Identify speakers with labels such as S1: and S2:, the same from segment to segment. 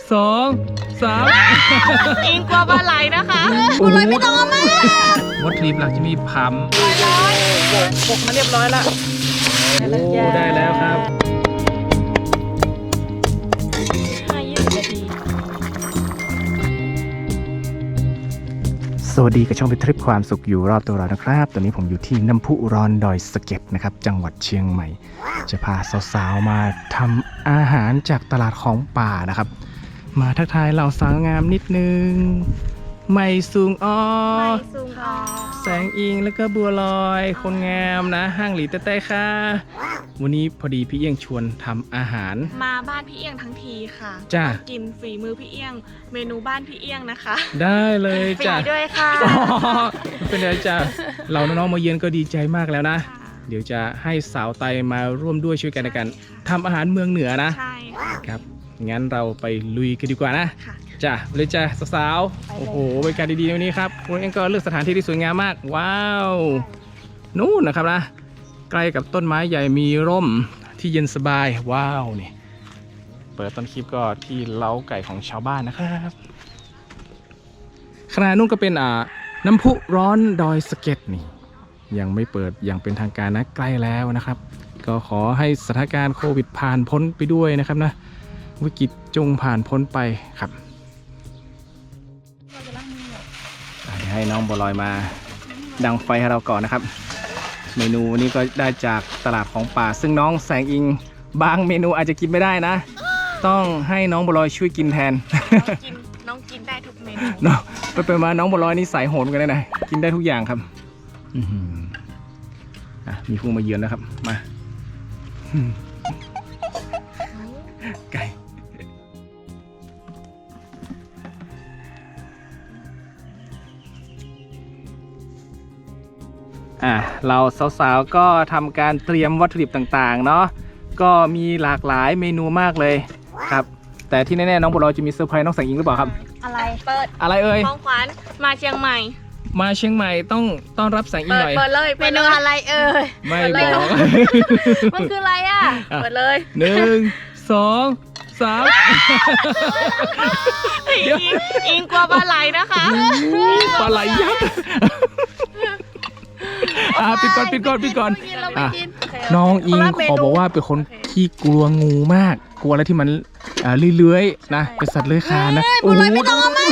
S1: 2 3
S2: อิงกลัวปลาไหลนะคะ
S1: บัวลอยไม่ต้องเอามาวัตถุดิบหลักจะมีผำ
S2: ปกมาเรียบร้อยละ
S1: ได้แล้วครับสวัสดีกับช่องเป็นทริปความสุขอยู่รอบตัวเรานะครับตอนนี้ผมอยู่ที่น้ำพุร้อนดอยสะเก็ดนะครับจังหวัดเชียงใหม่จะพาสาวๆมาทำอาหารจากตลาดของป่านะครับมาทักทายเหล่าสาวงามนิดนึงไม่ซุงอ้อแสงอิงแล้วก็บัวลอยคนงามนะห้างหลีเต้ๆค่ะวันนี้พอดีพี่เอี้ยงชวนทำอาหาร
S2: มาบ้านพี่เอี้ยงทั้งทีค่ะ
S1: จ้า
S2: กินฝีมือพี่เอี้ยงเมนูบ้านพี่เอี้ยงนะคะ
S1: ได้เลยจ้า
S2: ฟรีด้วยค่ะ
S1: เป็นไรจ้าเราน้องๆมาเยือนก็ดีใจมากแล้วนะเดี๋ยวจะให้สาวไตมาร่วมด้วยช่วยกันในการทำอาหารเมืองเหนือนะ
S2: ใช่
S1: ครับงั้นเราไปลุยกันดีกว่านะจ้ะเลยจ้ะสาวๆโอ้โหบรรยากาศดีๆวันนี้ครับคุณเองก็เลือกสถานที่ที่สวยงามมากว้าวนู่นนะครับนะใกล้กับต้นไม้ใหญ่มีร่มที่เย็นสบายว้าวนี่เปิดต้นคลิปก็ที่เล้าไก่ของชาวบ้านนะครับขณะนู้นก็เป็นน้ำพุร้อนดอยสะเก็ดนี่ยังไม่เปิดอย่างเป็นทางการนะใกล้แล้วนะครับก็ขอให้สถานการณ์โควิดผ่านพ้นไปด้วยนะครับนะวิกฤตจงผ่านพ้นไปครับเดี๋ยวให้น้องบัวลอยมาดังไฟให้เราก่อนนะครับเมนูนี้ก็ได้จากตลาดของป่าซึ่งน้องแสงอิงบางเมนูอาจจะกินไม่ได้นะต้องให้น้องบัวลอยช่วยกินแทน
S2: น้องกินได้ทุกเมนู
S1: น้องไปมาน้องบัวลอยนี่สายโหดกันเลยนะกินได้ทุกอย่างครับมีผู้มาเยือนแล้วครับมาไก่เราสาวๆก็ทำการเตรียมวัตถุดิบต่างๆเนาะก็มีหลากหลายเมนูมากเลยครับแต่ที่แน่ๆน้องบัวลอยจะมีเซอร์ไพรส์น้องแสงอิงหรือเปล่าครับ
S2: อะไรเปิด
S1: อะไรเอ่ย
S2: ของขวัญมาเชียงใหม่
S1: มาเชียงใหม่ต้องต้อนรับแสงอิงหน่อย
S2: เปิดเลยเมนูอะไรเอ่ย
S1: ไม่บอก
S2: มันคืออะไรเปิดเลย
S1: 1 2 3
S2: อิงกลัวปลาไหลนะคะ
S1: ปลาไหลยักษ์ปิดก่อนน้องอิงขอบอกว่าเป็นคนที่กลัวงูมากกลัวอะไรที่มันเลื้อยๆนะเป็นสัตว์เลื้อยคลานนะ
S2: โอ้โหไม่ต้องมา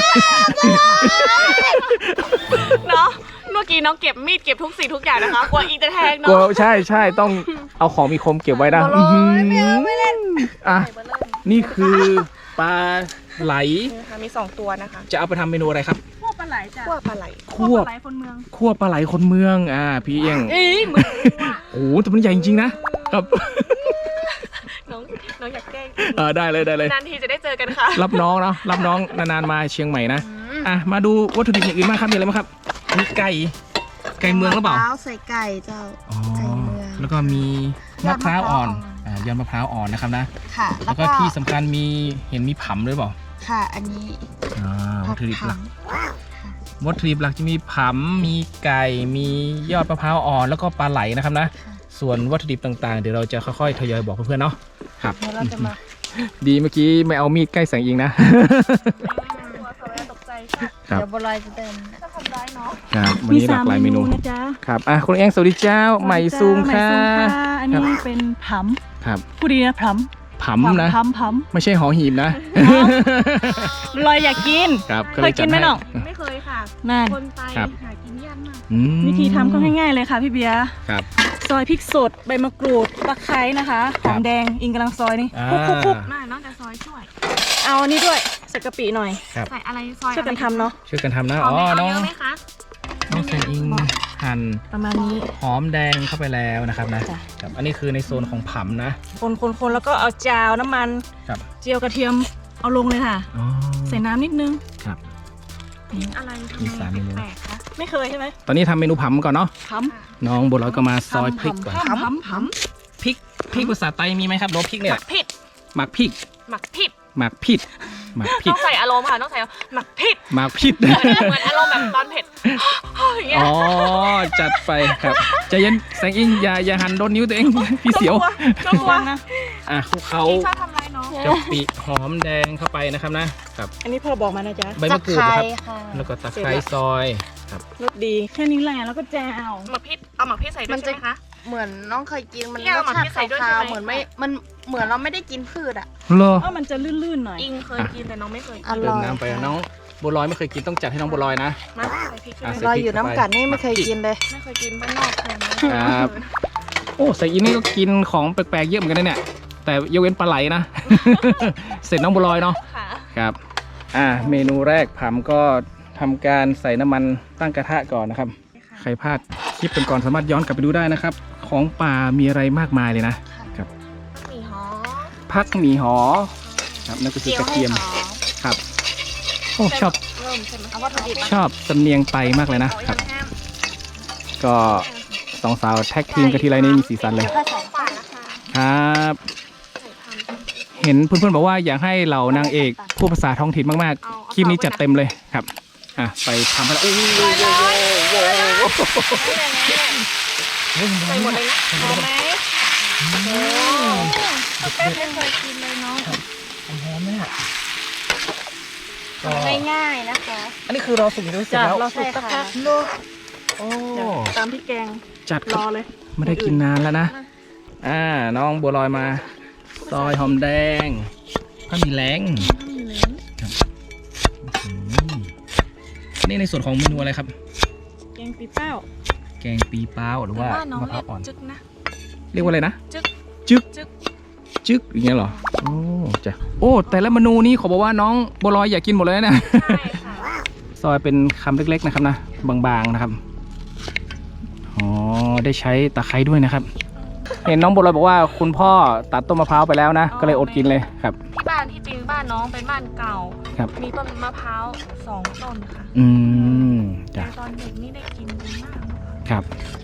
S2: เนาะเมื่อกี้น้องเก็บมีดเก็บทุกสิ่งทุกอย่างนะคะกลัวอิงจะแทงเนาะ
S1: กลัวใช่ต้องเอาของมีคมเก็บไว้นะ
S2: ไม่เล่น
S1: นี่คือปลาไหล
S2: มี2ตัวนะคะ
S1: จะเอาไปทำเมนูอะไรครับ
S2: คั่วปลาไหลจ้ะคั่วปลาไหลคนเมือง
S1: คั่วปลาไหลคนเมืองพี่เอี้ยงโอ้แต่มันใหญ่จริงๆนะครับ
S2: น้องอยากแกล้ง
S1: ได้เลย
S2: นานทีจะได้เจอกันค่ะ
S1: รับน้องเนาะรับน้องนานๆมาเชียงใหม่นะมาดูวัตถุดิบอย่างอื่นมากครับมีอะไรบ้างครับมีไก่เมืองหรือเปล่า
S2: ใส่ไก่เจ้าไก่เมือง
S1: แล้วก็มีมะพร้าวอ่อนยอดมะพร้าวอ่อนนะครับนะ
S2: ค่ะ
S1: แล้วก็ที่สำคัญมีผำด้วยเปล่า
S2: ค่ะอันนี้
S1: วัตถุดิบหลักจะมีผำมีไก่มียอดมะพร้าวอ่อนแล้วก็ปลาไหลนะครับนะส่วนวัตถุดิบต่างๆเดี๋ยวเราจะค่อยๆทยอยบอกเพื่อนๆเนาะครับ
S2: เราจะมา
S1: ดีเมื่อกี้ไม่เอามีดใกล้แสงอิงนะ
S2: ตกใจเดี๋ยวบัวลอยจะเดินจะทำได้เนาะ
S1: ครับวันนี้หลากหลายเมนูนะจ๊ะครับคุณเอี้ยงสวัสดีเจ้าใหม่ซูมค่ะ
S3: อันนี้เป็นผำ
S1: ครับ
S3: พูดดีนะผำ
S1: นะไม่ใช่หอหีบนะ
S3: ลอยอยากกินเคยกินไหมน้อง
S2: ไม่เคยค่ะคนไปหากินยากมาก
S3: วิธีทำก็ง่ายๆเลยค่ะพี่เบียร์
S1: ครับ
S3: ซอยพริกสดใบมะกรูดตะไคร้นะคะหอมแดงอิงกำลังซอยนี่คุก
S2: น้องจะซอยช่วย
S3: เอาอันนี้ด้วยใส่กะปิหน่อย
S2: ใส่อะไรซอย
S3: ช่วยกันทำเนาะ
S1: ช่วยกันทำนะน้องแสงอิงหั่น
S3: ประมาณนี้
S1: หอมแดงเข้าไปแล้วนะครับนะครับอันนี้คือในโซนของผำนะ
S3: คนแล้วก็เอาจาวน้ำมันเจียวกระเทียมเอาลงเลยค่ะใส่น้ำนิดนึง
S1: ครับ
S2: อะไร
S1: มี3เมนู
S3: ไม่เคยใช่ไหม
S1: ตอนนี้ทำเมนูผำก่อนเนาะ
S3: ผ
S1: ำน้องบัวลอยก็มาซอยพริกก่อน
S3: ผำ
S1: พริกภาษาไทยมีไหมครับรสพริกเนี่ยหมักพริก
S2: ต้องใส่อารมณ์ค่ะต้องใส่หมักผิดเหมือนอารมณ์แบบตอนเผ็ด
S1: จัดไปครับใจเย็นแสงอิงอย่าหันโดนนิ้วตัวเองพี่เสียว
S3: กลัวนะ
S1: คลุกเขา
S2: ชอบทำไรเนาะ
S1: กะปิหอมแดงเข้าไปนะครับนะครับ
S3: อันนี้พ่อบอกมานะจ๊ะ
S1: ใบมะกรูดนะครับ
S2: ค่ะ
S1: แล้วก็ตะไคร้ซอยครับ
S3: รสดีแค่นี้แหละแล้วก็แจว
S4: หมักพริกเอาหมักพริกใส่ด้วยใช่ไหมคะ
S2: เหมือนน้องเคยกินมัน
S4: พี่
S2: ร
S4: เอา
S2: ส
S4: หมัก
S2: ชา
S4: พริ
S2: ติ
S4: กใส่ด้วย
S2: คาว
S4: ใช่ไหม
S2: ๆเหมือนไม่มันเหมือนเราไม่ได้กินพืชอ่ะ
S1: เหรอ
S3: เพราะมันจะลื่นๆหน่อย
S4: อิงเคยกินแต่น้องไม่เคย
S2: อ
S4: กิน
S2: ร่
S1: เดิ
S2: อย
S1: นน้ำไปน้องบัวลอยไม่เคยกินต้องจัดให้น้องบัวลอยนะ
S4: มาใส่พริกใช่ไหม
S1: ใส่
S2: รอย
S1: พริก
S2: อยู่น้ำกัดนี่ไม่เคยกินเลย
S4: ไม่เคยกินบ้านนอกเคยไหม
S1: ครับโอ้ใส่อินนี่ก็กินของแปลกๆเยอะเหมือนกันนะเนี่ยแต่ยกเว้นปลาไหลนะ เสร็จน้องบัวลอยเนาะ
S4: ค่ะ
S1: ครับเมนูแรกผำก็ทำการใส่น้ำมันตั้งกระทะก่อนนะครับใครพลาดคลิปก่อนๆสามารถย้อนกลับไปดูได้นะครับของป่ามีอะไรมากมายเลยนะครับ
S4: หมี่หอม
S1: พักหมี่หอครับนั่นก็คือกระเทียมครับโอ้ชอบ
S4: เริ่มใช่ไหม
S2: เอาวัตถุดิบ
S1: ชอบสำเนียงไตมากเลยนะครับ ก็สองสาวแท็กทีมกันทีไรนี่มีสีสันเลย
S2: ถ้าใส่
S4: ป่านะคะ
S1: ครับ
S4: ใส่พัน
S1: เห็นเพื่อนๆบอกว่าอยากให้เหล่านางเอกพูดภาษาท้องถิ่นมากๆคลิปนี้จัดเต็มเลยครับไปทำไปแล้วโอ้โห
S4: ใส่หมดเลยนะหอมไหม
S2: แป้งไม่เคยกินเลยน้อง
S1: หอมเนี่ยก็
S2: ง่ายๆนะคะ
S1: อันนี้คือเราสุกอยู่ด้วยเสร็จ
S3: จ้ะ
S1: แล้ว
S3: เราสุกสักพัก
S1: โอ้
S3: ตามที่แกง
S1: จัด
S3: รอเลย
S1: ไม่ได้กินนานแล้วนะน้องบัวลอยมาซอยหอมแดงก็มีแรงนี่ในส่วนของเมนูอะไรครับ
S3: แกงปีเป้า
S1: แกงปีเป้าหรือว่า
S4: บ้านน้อง
S1: มะพ
S4: เรี
S1: ร้า
S4: ยว ก
S1: อ่อน
S4: จึ๊กนะ
S1: เรียกว่าอะไรนะ
S4: จึ๊ก
S1: จึ๊ก
S4: จึ๊ก
S1: จึ๊กอย่างเงี้ยเหรอโอ้จ้ะโอ้แต่ละเมนูนี้ขอบอกว่าน้องบัวลอยอยากกินหมดเลยนะ
S4: ใช่ค่ะ
S1: ซอยเป็นคำเล็กๆนะครับนะบางๆนะครับอ๋อได้ใช้ตะไคร้ด้วยนะครับ เห็นน้องบัวลอยบอกว่าคุณพ่อตัดต้นมะพร้าวไปแล้วนะก็เลยอดกินเลยครับ
S4: ที่บ้านที่จริงบ้านน้องเป็นบ้านเก่า
S1: ครับ
S4: มีต้นมะพร้าว2 ต้นค่ะ
S1: อืม
S4: แต่
S1: จ้ะ
S4: ตอนเด็กนี่ได้กินดีมากเลยค่ะ
S1: ครับ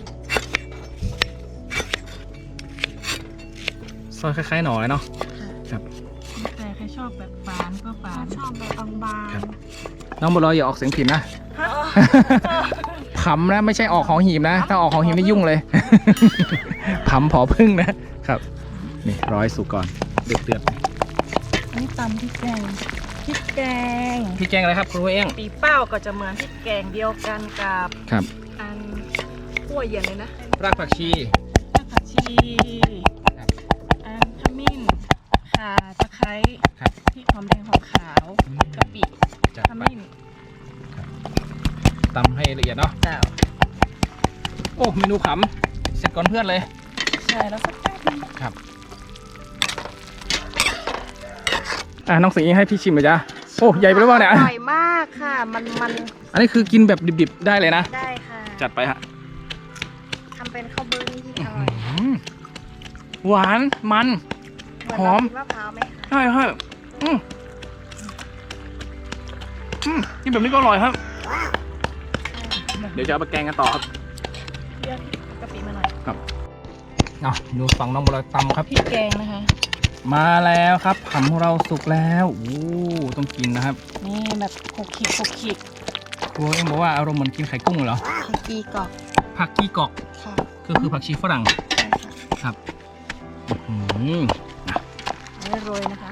S1: ซอยคล้ายๆหน่อยเนาะครับ
S3: แต่ใครชอบแบบฝานก็ฝาน
S4: ชอบแบบบาง
S1: ครับ น้องบัวลอยอย่าออกเสียงผิดนะ ผำนะไม่ใช่ออกของหีบนะ ถ้าออกของหีบนี่ยุ่งเลย ผำผอพึ่งนะครับนี่ร้อยสุกก่อนเดือด
S3: อันนี้ตำพริกแกงพริกแกง
S1: ๆพี่แกงอะไรครับครูเอี้ยง
S3: ปีเป้าก็จะเหมือนพริกแกงเดียวกันกับ
S1: ครับ
S3: อันขั้วเย็นเลยนะ
S1: รากผักชี
S3: รากผักชี
S1: ครับ
S3: อันขมิ้นข่าตะไคร้
S1: ครับ
S3: พริกหอมแดงหอมขาวกะปิ
S1: จัด
S3: ข
S1: ไป
S3: มิ้น
S1: ตำให้ละเอียดเนาะ
S3: เจ้า
S1: โอ้เมนูผำเสร็จก่อนเพื่อนเลย
S3: ใช่แล้วสักแป๊บนึง
S1: ครับน้องสิงห์ให้พี่ชิมเลยจ้ะโอ้ใหญ่ไปหรือเปล่าเนี่ย
S2: อร่อยมากค่ะมัน
S1: อันนี้คือกินแบบดิบๆได้เลยนะ
S2: ได้ค่ะ
S1: จัดไปฮะ
S2: ทำเป็นข้าวเบิ้งที่อร่อย
S1: หวานมัน
S2: เหมือน
S1: หอม
S2: เรากินมะพร้าวไหมคะ
S1: ใช่ใช่กินแบบนี้ก็อร่อยครับ เดี๋ยวจะเอาไปแกงกันต่อครับ
S3: เรียกกะปิมาหน่อย
S1: ดูฝั่งน้องบัวลอยตำครับ
S3: พริกแกงนะคะ
S1: มาแล้วครับผำของเราสุกแล้วโอ้ต้องกินนะครับ
S3: นี่แบบขบขิก
S1: ครูเอ็มบอกว่าอารมณ์เหมือนกินไข่กุ้งเหรอ
S2: ผักกีกรอบ
S1: ผักกีกอก
S2: ค่ะ
S1: คือผักชีฝรั่ง
S2: ใช่ค่ะ
S1: ครับอื้อหือ
S3: เอาไว้โรยนะคะ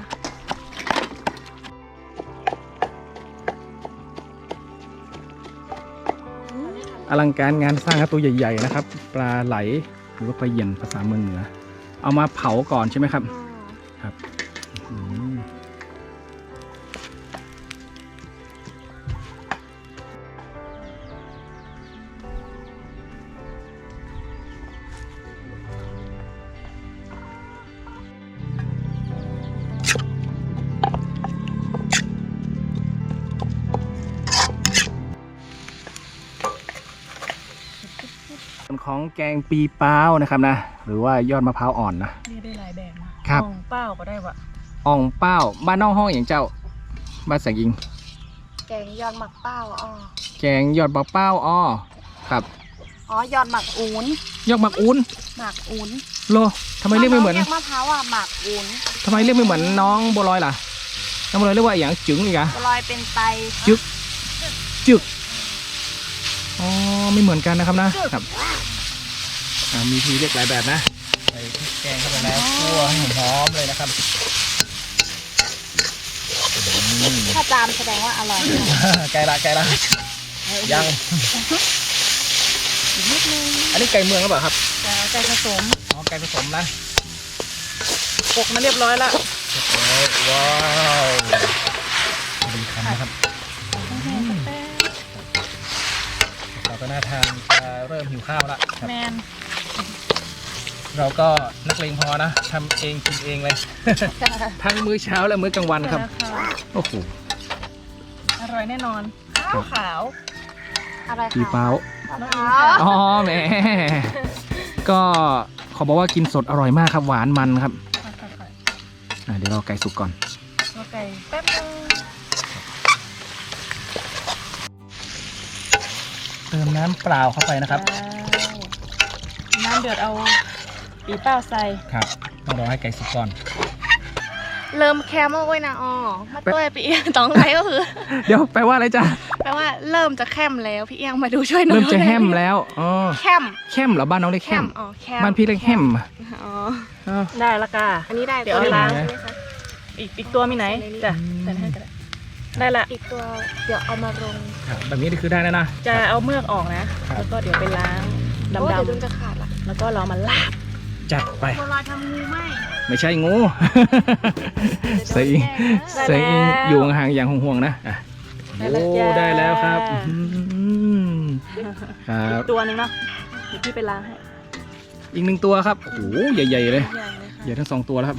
S1: อลังการงานสร้างครับตัวใหญ่ๆนะครับ ปลาไหลหรือว่าปลาเหยี่ยนภาษาเมืองเหนือ เอามาเผาก่อนใช่ไหมครับ ครับอื้อหือส่วนของแกงปีเป้านะครับนะ หรือว่ายอดมะพร้าวอ่อนนะ
S3: เรียกได้หลายแบบนะครับ ของเป้าก็ได้วะ
S1: อ่องเป้าบ้านนอกห้องอย่างเจ้า บ้านแสงอิง
S2: แกงยอดหมักเป้าอ๋อ
S1: แกงยอดมะเป้าอ้อครับ
S2: อ๋อยอดหมักอูน
S1: ยอดหมักอุ้น
S2: หมักอูน
S1: โลทำไมเรียกไม่เหมือน
S2: เรียกมะพร้าวอ่ะหมักอูน
S1: ทำไมเรียกไม่เหมือนน้องบัวลอยล่ะ น้องบัวลอยเรียกว่าอย่างจึ๋งอีกอะ
S2: บัวลอยเป็นไต
S1: จึ๊ก จึกอ๋อไม่เหมือนกันนะครับนะครับมีทีเรียกหลายแบบนะใส่พริกแกงเข้าไปแล้วคั่วให้หอมๆเลยนะครับ
S2: ถ้าจามแสดงว่าอร่อย
S1: ไก่ละยัง
S3: อีกนิดนึง
S1: อันนี้ไก่เมืองหรือเปล่าครับ
S3: จะไก่ผสม
S1: อ๋อไก่ผสมนะ
S3: ปกมาเรียบร้อยแล้ว
S1: ว้าวดีคำนะครับเราก็น่าทานจะเริ่มหิวข้าวแล้วครับ
S3: แมน
S1: เราก็นักเลงพอนะทำเองกินเองเลย ทั้งมื้อเช้าและมื้อกลางวันครับ โอ้โห
S3: อร่อยแน่นอนขาว
S2: อะไร
S1: ปี
S2: คะ
S1: เป้า
S3: น้องอิง
S1: อ๋อแหมก็ขอบอกว่ากินสดอร่อยมากครับหวานมันครับเดี๋ยวรอไก่สุกก่อน
S3: ตัวไก่แป๊บนึง
S1: เติมน้ำเปล่าเข้าไปนะครับ
S3: น้ำเดือดเอาปีเป้าใส่
S1: ครับต้องรอให้ไก่สุกก่อน
S4: เริ่มแคมแล้วเว้ยนะอ๋อมาตัวพี่เอียงต้องไรก็คือ
S1: เดี๋ยวแปลว่าอะไรจ๊ะ
S4: แปลว่าเริ่มจะแคมแล้วพี่เอียงมาดูช่วยหน่อย
S1: เริ่มจะแฮมแล้วอ๋อ
S4: แคม
S1: แฮมเหรอบ้านน้องเรียก
S4: แค
S1: แฮ
S4: ม
S1: ม
S4: อ๋อแคม
S1: บ้านพี่เรียกแฮม
S4: อ๋อ
S1: อ้าว
S3: ได้ละกา
S4: อันนี้ได้
S3: เดี๋ยว
S4: ตัว
S3: เอาล้าง
S4: ใช่ไหมคะ
S3: อีกตัวมีไหนจ้ะใส่ให้ก็ได้ได้ละ
S4: อีกตัวเดี๋ยวเอามาลง
S1: ครับแบบนี้คือได้แล้วนะ
S3: จะเอาเมือกออกนะ
S1: ครับ
S3: แล้วก็เดี๋ยวไปล้าง
S4: โอ้เดี๋ยวดุน
S3: ดำ
S4: จะขาดละ
S3: ๆแล้วก็เรามาลาบ
S1: จัดไป
S4: โบราณทำงูไหม
S1: ไม่ใช่งูใส่อิงใส่อิงอยู่ห่างๆอย่างห่วงๆนะอ่ะ
S3: ได้แล้ว
S1: โอ้
S3: จ้า
S1: ได้แล้วครับอื้อหือครับ
S3: ตัวหนึ่งเนาะเดี๋ยวพี่ไปล้างให้
S1: อีกหนึ่งตัวครับโอ้โหใหญ่ๆเลย
S3: ใหญ่เลยค่ะ
S1: ใหญ่ทั้งสองตัวแล้วครับ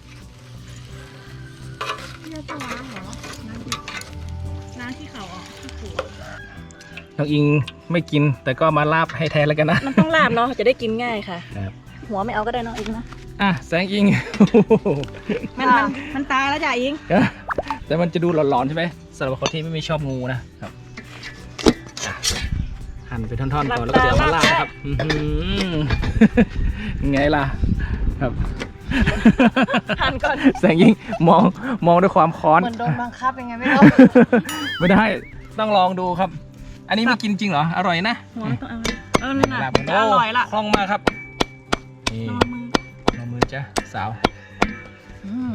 S3: ล้างที่เขาออกที่หัว
S1: น้องอิงไม่กินแต่ก็มาลาบให้แทนแล้วกันนะ
S3: มันต้องลาบเนาะจะได้กินง่ายค่ะ
S1: ครับ
S3: หัวไม่เอาก็ได้เนาะอิงนะ
S1: อ่ะแสงอิง โอ้โห
S3: มันตายแล้วจ้ะอิง
S1: แต่มันจะดูหลอนๆใช่ไหมสำหรับคนที่ไม่ชอบงูนะครับอ่ะหั่นเป็นท่อนๆก่อนแล้วก็เดี๋ยวมาลาบนะครับอื้อหือไงล่ะครับ
S3: หั่นก่อน
S1: แสงยิงมองด้วยความค้อน
S2: เหมือนโดนบังคับยังไงไม่รู้
S1: ไม่ได้ต้องลองดูครับ อันนี้ไม่กินจริงเหรออร่อยนะ
S3: หัวต้องเอานี่นะ
S1: ลาบ
S3: จะอร่อยละ
S1: คล่องมากครับนี่
S3: นอนมือ
S1: ลองมือจ้ะสาว
S3: อืม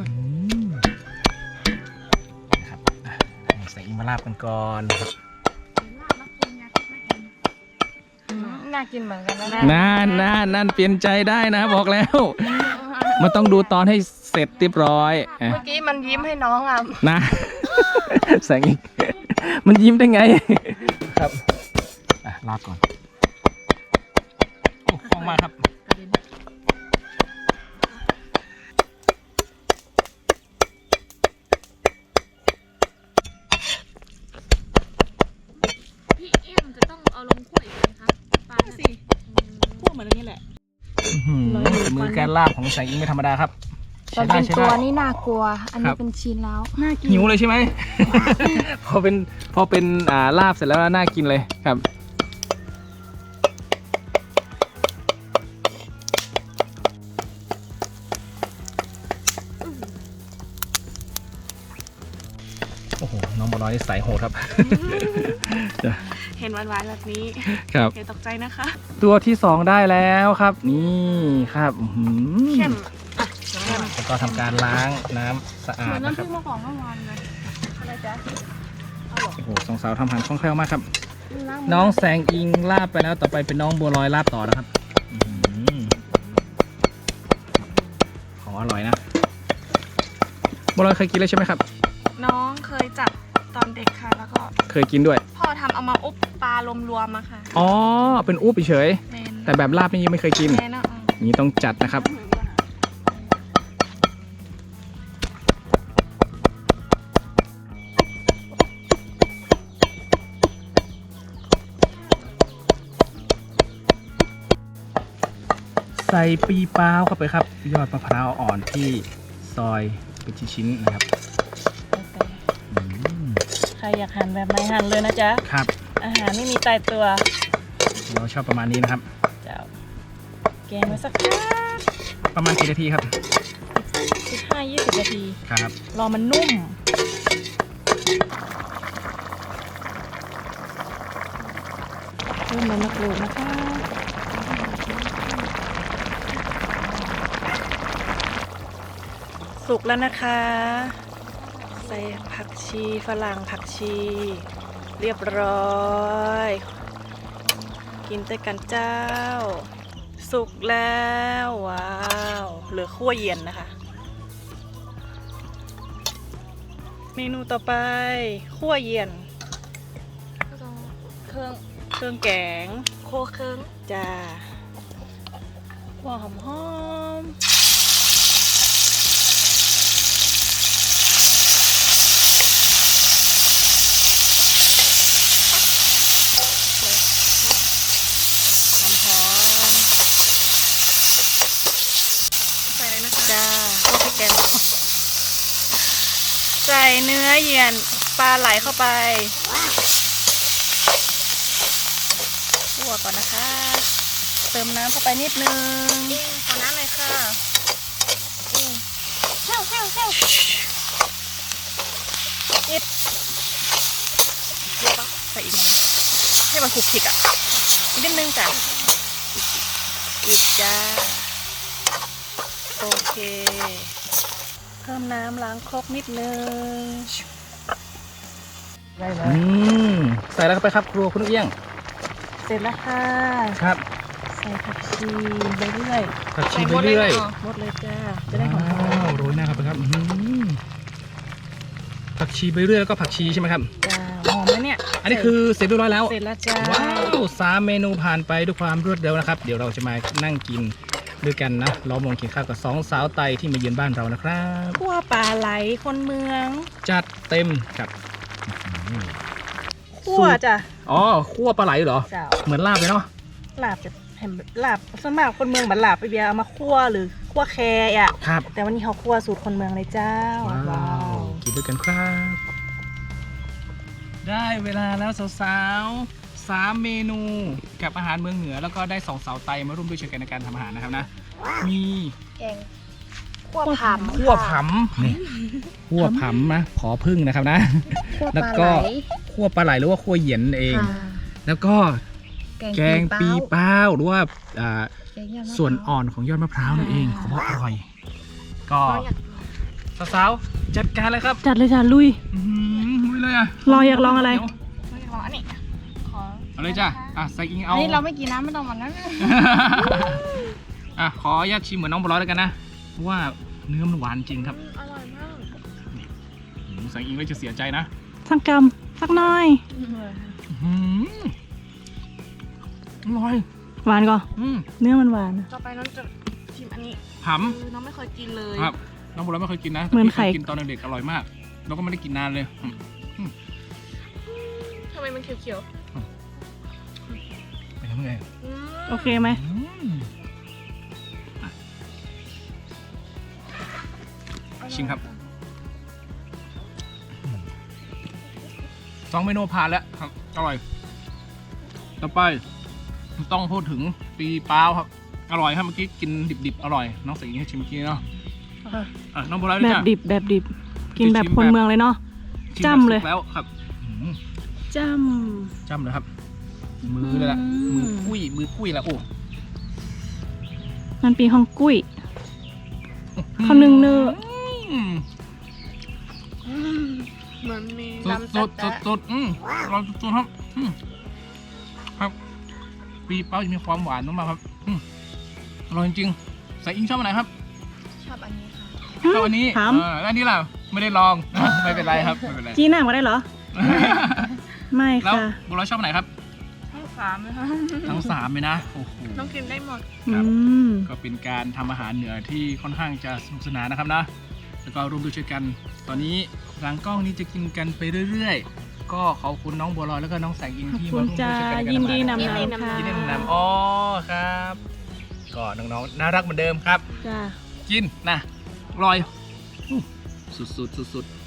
S1: นะครับอ่ะใส่อิงมาลาบกันก่อนครับ
S2: น่ากินเหมือนกันนะ
S1: นั่นเปลี่ยนใจได้นะบอกแล้ว มันต้องดูตอนให้เสร็จเรียบร้อยอ่ะ
S4: เมื่อกี้มันยิ้มให้น้องอ่ะ
S1: นะ แสงอีกมันยิ้มได้ไง ครับอ่ะลาบก่อนโอ้คล่องมากครับ
S4: พี่เอียงจะต้องเอาลงถ้วยไหมคะปลา
S3: สิพูดเหมือนอันนี้แหละ
S1: อื้อหือฝีมือการลาบของแสงอิงไม่ธรรมดาครับ
S2: ตอ
S1: ใช้
S2: น
S1: ได้
S2: เป็น
S1: ใช้
S2: ตัว
S1: ได้
S2: นี่น่ากลัว อัน
S1: ครั
S2: นี้
S1: บ
S2: เป็นชิ้นแล้ว
S3: น่ากิน
S1: หิวเลยใช่ไหม พอเป็นลาบเสร็จแล้วน่ากินเลยครับโอ้โหน้องบัวลอยนี่สายโหดครับ
S4: เห็นหวานๆแบบนี้
S1: ครับ
S4: อย่าตกใจนะคะ
S1: ตัวที่สองได้แล้วครับ นี่ครับอื้อหือ
S4: เข้ม
S1: แล้วก็ทำการล้างน้ำสะอา
S4: เหมื
S1: ด
S4: อน
S1: นะ
S4: น้ำ
S1: ค
S4: พ
S1: รั
S4: ริ
S1: บ
S4: กมะกอกเมื่อวานเลย
S3: อะไรจ๊ะ
S1: โอ้โหสองสาวทำอาหารคล่องแคล่วมากครับ
S4: ล้าง
S1: น้องแสงอิงลาบไปแล้วต่อไปเป็นน้องบัวลอยลาบต่อนะครับอื้อหือของอร่อยนะบัวลอยเคยกินแล้วใช่ไหมครับ
S4: น้องเคยจับตอนเด็กค่ะ แล้วก็
S1: เคยกินด้วย
S4: พ่อทำเอามาอุบปลารวมๆมาค่ะ
S1: อ๋อเป็นอุ๊บเฉย
S4: เมน
S1: ๆแต่แบบลาบนี่ยังไม่เคยกิน
S4: เมนอ่ะ
S1: นี้ต้องจัดนะครับใส่ปีเป้าเข้าไปครับยอดมะพร้าวอ่อนที่ซอยเป็นชิ้นๆนะครับอืม
S3: ใครอยากหั่นแบบไหนหั่นเลยนะจ๊ะ
S1: ครับ
S3: อาหารไม่มีตายตัว
S1: เราชอบประมาณนี้นะครับ
S3: เจ้าแกงไว้สักพัก
S1: ประมาณกี่นาทีครับ
S3: 15-20 นาที
S1: ครับ
S3: รอมันนุ่มเพิ่มใบมะกรูดนะคะสุกแล้วนะคะใส่ผักชีฝรั่งผักชี เรียบร้อย กินด้วยกันเจ้า สุกแล้วว้าวเหลือคั่วเย็นนะคะ เมนูต่อไปคั่วเย็น
S2: เครื่อง
S3: เครื่องแกง
S2: โคเครื่อง
S3: จ้าหัวหอมหอมหอม
S2: ใส่เลยนะคะ
S3: จ้าพวกพริกแกงใส่เนื้อเยียนปลาไหลเข้าไปคั่วก่อนนะคะ เติมน้ำเข้าไปนิดนึง
S2: ขอน้ำหน่อยค่ะ
S3: นิดใส่อีกหน่อยให้มันคลุกคลิกอ่ะอีกนิดนึงจ้ะอีกจ้าโอเค เพิ่มน้ำล้างครกนิดนึง
S1: ใส่แล้วเข้าไปครับครัวคุณเอี้ยง
S3: เสร็จแล้วค่ะ
S1: ครับ
S3: ใส่ผักชีไปเรื่อย
S1: ผักชีไปเรื่อย
S3: หมดเลยจ้าจะได้หอ
S1: ว้าม วโรยหน้าครับครับผักชีไปเรื่อยแล้วก็ผักชีใช่ไหมครับ
S3: ๆจ้าหอมแล้วเนี่ย
S1: อันนี้คือเสร็จเรียบร้อยแล้ว
S3: เสร็จแล้วจ้า
S1: ว้าว3 เมนูผ่านไปด้วยความรวดเร็วนะครับ เดี๋ยวเราจะมานั่งกินด้วยกันนะล้อมวงกินข้าวกับ2 สาวไตที่มาเยือนบ้านเรานะครับ
S3: คั่วปลาไหลคนเมือง
S1: จัดเต็มครับ
S3: คั่วจ้ะ
S1: อ๋อคั่วปลาไหลเหรอ
S3: จ้า
S1: เหมือนลาบเลยเนาะ
S3: ลาบจะเห็นลาบส่วนมากคนเมืองบัดลาบไปเบียร์เอามาคั่วหรือคั่วแคร์อ่ะ
S1: ครับ
S3: แต่วันนี้เขาคั่วสูตรคนเมืองเลยเจ้า
S1: ว้าวกินด้วยกันครับ ได้เวลาแล้วสาวๆ3 เมนูกับอาหารเมืองเหนือแล้วก็ได้2 สาวไตมาร่วมด้วยช่วยกันในการทำอาหารนะครับนะมี
S2: แกงคั่วผำ
S1: คั่วผำนี่คั่วผำนะขอพึ่งนะครับนะ
S2: คั่วป
S1: แล้ว
S2: ลา
S1: ก็
S2: ไหล
S1: คั่วปลาไหลหรือว่าคั่วเหยียนเอง
S2: ค่ะ
S1: แล้วก็แกงปีเป้าหรือว่า
S2: แกงยอดมะพร้าว
S1: ส่วนอ่อนของยอดมะพร้าวนั่นเองเขาบอกอร่อย ก็สาวๆจัดการเลยครับ
S3: จัดเลยจ้ะลุย
S1: ลุยเลยอ่ะ
S3: รออยากลองอะไร
S1: เดี๋ยว
S2: ไม่ลองอันนี้ขอ
S1: เอาเลยจ้ะใส่อิง
S2: อั
S1: เอา
S2: นนี้เราไม่กินน้ำไม่ต้องมันนั้น
S1: ขออนุญาตชิมเหมือนน้องบัวลอยแล้วกันนะเพราะว่าเนื้อมันหวานจริงครับ
S2: อร่อยมาก
S1: ใส่อิงเลยจะเสียใจนะ
S3: สักกำสักหน้อย
S1: อร่อย
S3: หวานก่อนเนื้อมันหวาน
S2: ต่อไปน้องจะชิมอันนี้
S1: ผำ
S2: คือน้องไม่เคยกินเลย
S1: ครับน้องบัวลอยไม่เคยกินนะ
S3: เหมือนไข่
S1: กินตอนเด็กๆอร่อยมากแล้วก็ไม่ได้กินนานเลย
S2: ทำไมมันเขียว
S1: เป็นยังไง
S2: ๆอืม
S3: โอเคไหม
S1: ชิมครับ2 เมนูผ่านแล้วครับอร่อยต่อไปต้องพูดถึงปีเป้าครับอร่อยครับเมื่อกี้กินดิบๆอร่อยน้องใส่อิงให้ชิมเมื่อกี้เนาะน้องบัวลอยด้วย
S3: แบบ
S1: จ้ะ
S3: ดิบแบบดิบ กินแบบคนเมืองเลยเนาะ
S1: ชิม
S3: จ้ำเลย
S1: แบบสุกแล้วครับ
S3: จ้
S1: จ้ำเลยครับ มือเลยล่ะ
S3: อืม
S1: มือกุ้ยแล้วโอ้
S3: ำมันปีห้องกุ้ยเขานึ่งเนื้อ
S2: เหมือนมี
S1: สด
S2: น้ำ
S1: ส
S2: จั
S1: ด
S2: ด
S1: สดสดอร่อยสุดๆครับครับปีเป้าจะมีความหวานมากๆครับอร่อยจริงๆใส่อิงชอบอันไหนครับ
S2: ชอบอันนี้ค่ะ
S1: ชอบอันนี้
S3: ถาม
S1: แล้วอันนี้ล่ะไม่ได้ลอง ไม่เป็นไรครับไม่เป็นไร
S3: จี้หน้ามาได้เหรอ ไม่
S1: แล้ว
S3: ค่ะ
S1: บัวลอยชอบอันไหนครับ
S2: ทั้งสามเลยค่ะ
S1: ทั้ง3เลยนะโอ้โห
S2: น้องกินได้หมด
S1: ครับ
S3: อืม
S1: ก็เป็นการทำอาหารเหนือที่ค่อนข้างจะสนุกสนานนะครับนะ แล้วก็ร่วมด้วยช่วยกัน ตอนนี้หลังกล้องนี้จะกินกันไปเรื่อยๆ ก็ขอบคุณน้องบัวลอยแล้วก็น้องแสงอิง
S3: ขอบ
S1: ที่
S3: คุ
S1: มา
S3: ณ
S1: ร่วมด้ว
S3: จ้าย
S1: ช่วยกันในการ
S3: ยิน
S1: ทำอา
S3: ดี
S1: หาร
S3: นำ
S2: ยินดี
S3: นำ
S2: นำ
S3: ค่ะ
S1: ยินดีนำอ๋อครับ ก็น้องๆน่ารักเหมือนเดิมครับ
S3: จ้า
S1: กินนะอร่อยสุดๆสุดๆ